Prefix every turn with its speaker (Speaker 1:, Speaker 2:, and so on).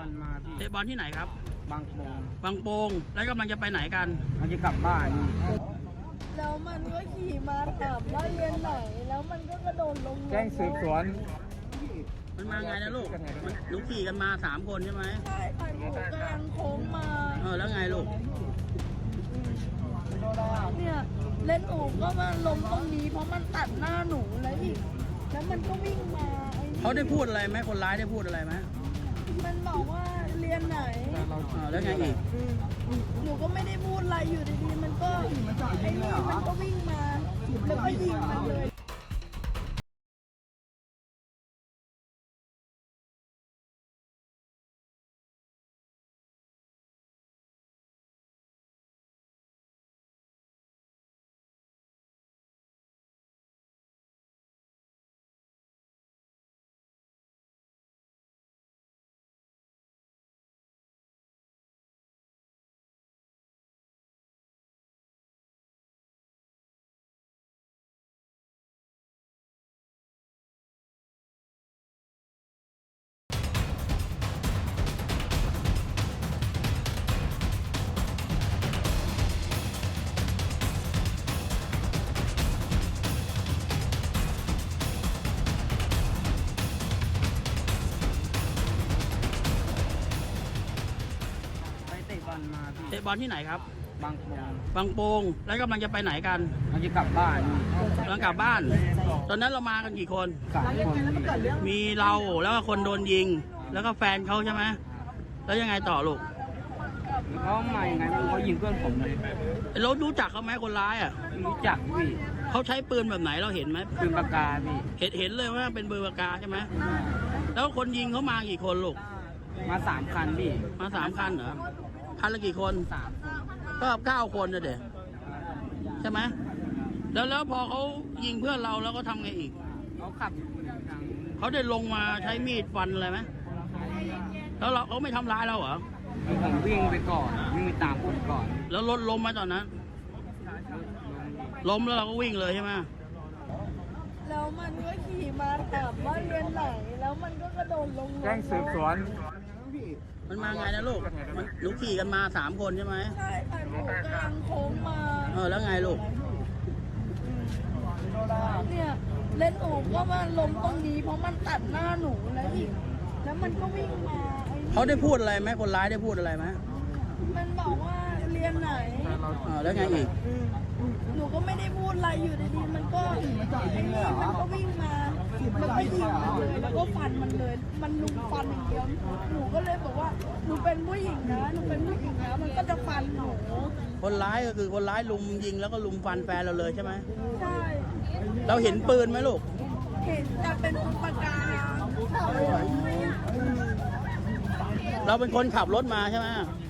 Speaker 1: อลมาพี่
Speaker 2: เตะบอลที่ไหนครับ
Speaker 1: บางโป่ง
Speaker 2: บางโป่งแล้วกำลังจะไปไหนกัน
Speaker 1: มันจะกลับบ้าน
Speaker 3: แล้วมันก็ขี่มาถามว่าเรียนไหนแล้วมันก็กระโดดลง
Speaker 1: แจ้งสืบสวน
Speaker 2: มันมาไงนะลูกลูกขี่กันมา3 คนใช่ไหม
Speaker 3: ใช่ค่ะหนูกำลังโค้งมา
Speaker 2: แล้วไงลูก
Speaker 3: เนี่ยเล่นหนูก็มาล้มตรงนี้เพราะมันตัดหน้าหนูแล้วอีกแล้วมันก็วิ่งมา
Speaker 2: เขาได้พูดอะไรไหมคนร้ายได้พูดอะไรไหม
Speaker 3: มันบอกว่าเรียนไหน
Speaker 2: แล้วไงอีก
Speaker 3: หนูก็ไม่ได้พูดอะไรอยู่ดีๆมันก็ไอ้นี่มันก็วิ่งมาแล้วก็ยิงมันเลย
Speaker 2: เตะบอลที่ไหนครับ
Speaker 1: บางโป่ง
Speaker 2: บางโป่งแล้วกำลังจะไปไหนกัน
Speaker 1: มันจะกลับบ้าน
Speaker 2: กำลังกลับบ้านตอนนั้นเรามากันกี่คน
Speaker 1: 3 คน
Speaker 2: มีเราแล้วก็คนโดนยิงแล้วก็แฟนเขาใช่ไหมแล้วยังไงต่อลูก
Speaker 1: เขามายังไงเขายิงเพื่อนผมเลย
Speaker 2: เรารู้จักเขาไหมคนร้ายอ่ะ
Speaker 1: รู้จักพี่
Speaker 2: เขาใช้ปืนแบบไหนเราเห็นไหม
Speaker 1: ปืนปากกาพี่
Speaker 2: เห็นเลยว่าเป็นปืนปากกาใช่ไหมแล้วคนยิงเขามากี่คนลูก
Speaker 1: มา3 คันพี่
Speaker 2: มา3 คันเหรอคันละกี่คน
Speaker 1: 3
Speaker 2: ก็9 คนนะเด็กใช่ไหมแล้วพอเขายิงเพื่อนเราแล้วก็ทำไงอีก
Speaker 1: เขาขับ
Speaker 2: เขาได้ลงมาใช้มีดฟันอะไรไหมแล้วเขาไม่ทำร้ายเราเหรอ
Speaker 1: ผมวิ่งไปก่อนวิ่งไปตามผมก่อน
Speaker 2: แล้วรถล้มไหมตอนนั้นล้มแล้วเราก็วิ่งเลยใช่ไหม
Speaker 3: แล้วมันก็ขี่มาถามว่าเรียนไหนแล้วมันก็กระโดดลง
Speaker 1: แจ้งสืบสวน
Speaker 2: มันมาไงนะลูกลูกขี่กันมา3 คนใช่ไหม
Speaker 3: ใช่ค่ะหนูกำลังโค้งมา
Speaker 2: แล้วไงลูก
Speaker 3: เนี่ยเล่นหนูก็มาล้มตรงนี้เพราะมันตัดหน้าหนูแล้วอีกแล้วมันก็วิ่งมา
Speaker 2: เขาได้พูดอะไรไหมคนร้ายได้พูดอะไรไหม
Speaker 3: มันบอกว่าเรียนไหน
Speaker 2: แล้วไงอีก
Speaker 3: หนูก็ไม่ได้พูดอะไรอยู่ดีๆมันก็ไอ้นี่มันก็วิ่งมาแล้วก็ยิงมันเลยแล้วก็ฟันมันเลยมันลุมฟันอย่างเดียวหนูก็เลยบอกว่าหนูเป็นผู้หญิงนะหนูเป็นผู้หญิงนะมันก็จะฟันหนู
Speaker 2: คนร้ายก็คือคนร้ายลุมยิงแล้วก็ลุมฟันแฟนเราเลยใช่ไหม
Speaker 3: ใช่
Speaker 2: เราเห็นปืนไหมลูก
Speaker 3: เห็นแต่เป็นปืนปากกา
Speaker 2: เราเป็นคนขับรถมาใช่ไหม